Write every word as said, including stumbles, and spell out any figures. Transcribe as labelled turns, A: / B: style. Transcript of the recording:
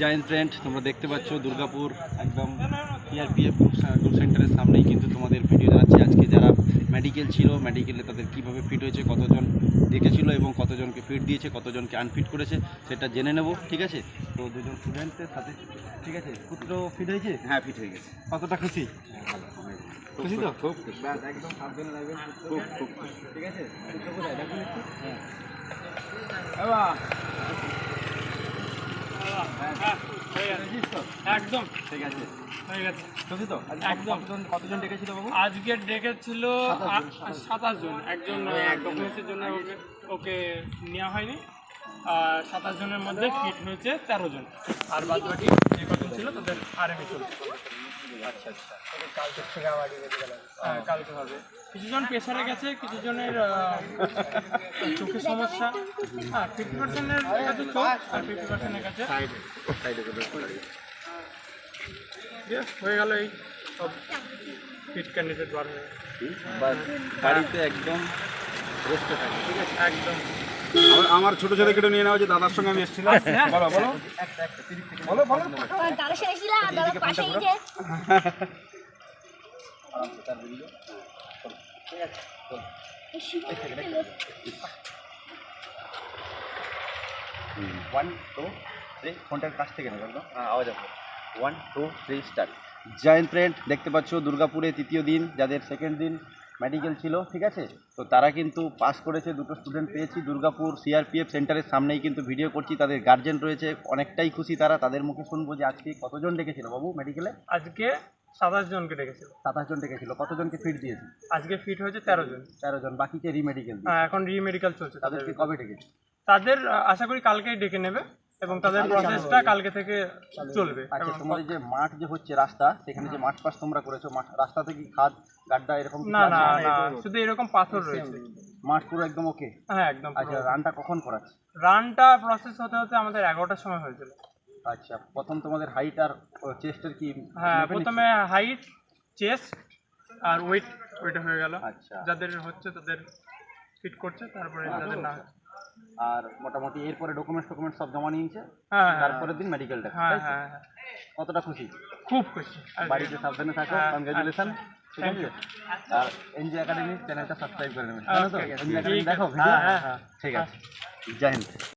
A: Giant trend তোমরা দেখতে পাচ্ছ দুর্গাপুর একদম সিআরপিএফ গ্রুপ সেন্টারের সামনেই কিন্তু তোমাদের ভিডিও জানাচ্ছি। আজকে যারা মেডিকেল ছিল মেডিকেলে তাদের কীভাবে ফিট হয়েছে, কতজন দেখেছিল এবং কতজনকে ফিট দিয়েছে, কতজনকে আনফিট করেছে সেটা জেনে নেব। ঠিক আছে, তো দুজন স্টুডেন্টের সাথে ঠিক আছে। পুত্র ফিট হয়েছে?
B: হ্যাঁ, ফিট হয়ে গেছে।
A: কতটা খুশি? খুশি তো?
B: খুব খুশি।
A: একদম সাবধানে রাখবেন।
B: খুব খুব
A: ঠিক আছে, পুত্র কোথায় দেখুন একটু। হ্যাঁ
C: একদম
A: ঠিক আছে,
C: হয়ে গেছে।
A: খুশি তো?
C: একদম।
A: কতজন কতজন ডেকেছিল বাবু?
C: আজকে ডেকেছিল সাতাশ জন। একজন ডকুমেন্টসের জন্য ওকে ওকে নেওয়া হয়নি। আর সাতাশ জনের মধ্যে ফিট হয়েছে তেরো জন, আর বাদ বাকি যে কজন ছিল তাদের আরএমএ চলছে।
A: আচ্ছা আচ্ছা,
C: কালকে থেকে আবার হ্যাঁ কালকে হবে। কিছুজন প্রেশারে গেছে, কিছুজনের চোখের সমস্যা। হ্যাঁ, ফিফটি পার্সেন্টের কাছে চোখ আর ফিফটি পার্সেন্টের কাছে হয়ে গেল। এই সব ফিট ক্যান্ডিডেট বার হয়ে
A: বাড়িতে একদম রেস্টে থাকে। ঠিক আছে,
C: একদম।
B: আমার ছোট ছেলেকে নিয়ে নেওয়া হয়েছে, দাদার সঙ্গে আমি এসেছিলাম। বলো বলো বলো বলো
D: দাদা সেরেছিল দাদা পাশে এই যে
A: ওয়ান টু থ্রি, ফোনটার কাছ থেকে নেবে একদম আওয়াজ আসবে। One two three start. Giant trend দেখতে পাচ্ছ দুর্গাপুরে তৃতীয় দিন, যাদের সেকেন্ড দিন মেডিকেল ছিল। ঠিক আছে, তো তারা কিন্তু পাস করেছে। দুটো স্টুডেন্ট পেয়েছি দুর্গাপুর সিআরপিএফ সেন্টারের সামনেই কিন্তু ভিডিও করছি। তাদের গার্জেন রয়েছে, অনেকটাই খুশি তারা। তাদের মুখে শুনবো যে আজকে কতজন ডেকেছিল বাবু মেডিকেলে?
C: আজকে সাতাশ জনকে ডেকেছিল।
A: সাতাশ জন ডেকেছিল। কতজনকে ফিট দিয়েছে?
C: আজকে ফিট হয়েছে তেরো জন।
A: তেরো জন, বাকিকে রিমেডিকেল।
C: হ্যাঁ, এখন রি মেডিকেল চলছে।
A: তাদেরকে কবে ডেকেছে?
C: তাদের আশা করি কালকেই ডেকে নেবে এবং তাদের প্রসেসটা কালকে থেকে চলবে।
A: আচ্ছা, তোমাদের যে মাঠ যে হচ্ছে রাস্তা, সেখানে যে মাঠ পাস তোমরা করেছো, মাঠ রাস্তা থেকে খাদ গাড্ডা এরকম কিছু
C: না
A: আছে?
C: না না, শুধু এরকম পাথর রয়েছে।
A: মাঠ পুরো একদম ওকে?
C: হ্যাঁ একদম।
A: আচ্ছা, রানটা কখন করাচ্ছে?
C: রানটা প্রসেস হতে হতে আমাদের এগারোটার সময় হয়েছিল।
A: আচ্ছা, প্রথম তোমাদের হাইট আর চেস্টের কি?
C: হ্যাঁ, প্রথমে হাইট, চেস্ট আর ওয়েট ওইটা হয়ে গেল।
A: আচ্ছা,
C: যাদের হচ্ছে তাদের ফিট করছে, তারপরে যাদের না।
A: আর মোটামুটি এরপরে ডকুমেন্টস ডকুমেন্টস সব জমা নিয়েছে।
C: হ্যাঁ,
A: তারপরের দিন মেডিকেলটা।
C: হ্যাঁ হ্যাঁ হ্যাঁ,
A: কতটা খুশি?
C: খুব খুশি।
A: বাড়িতে সাবধানে থাকো।
C: হ্যাঁ,
A: কনগ্রাচুলেশন। ঠিক
C: থ্যাংক
A: আছে,
C: ইউ।
A: আর এনজি একাডেমি চ্যানেলটা সাবস্ক্রাইব করে নেবেন।
C: Okay,
A: জানো তো
C: okay.
A: এনজি একাডেমি
C: ঠিক
A: দেখো
C: আছে।
A: ভিডিও?
C: হ্যাঁ, হ্যাঁ, হ্যাঁ।
A: ঠিক আছে, জয় হিন্দ।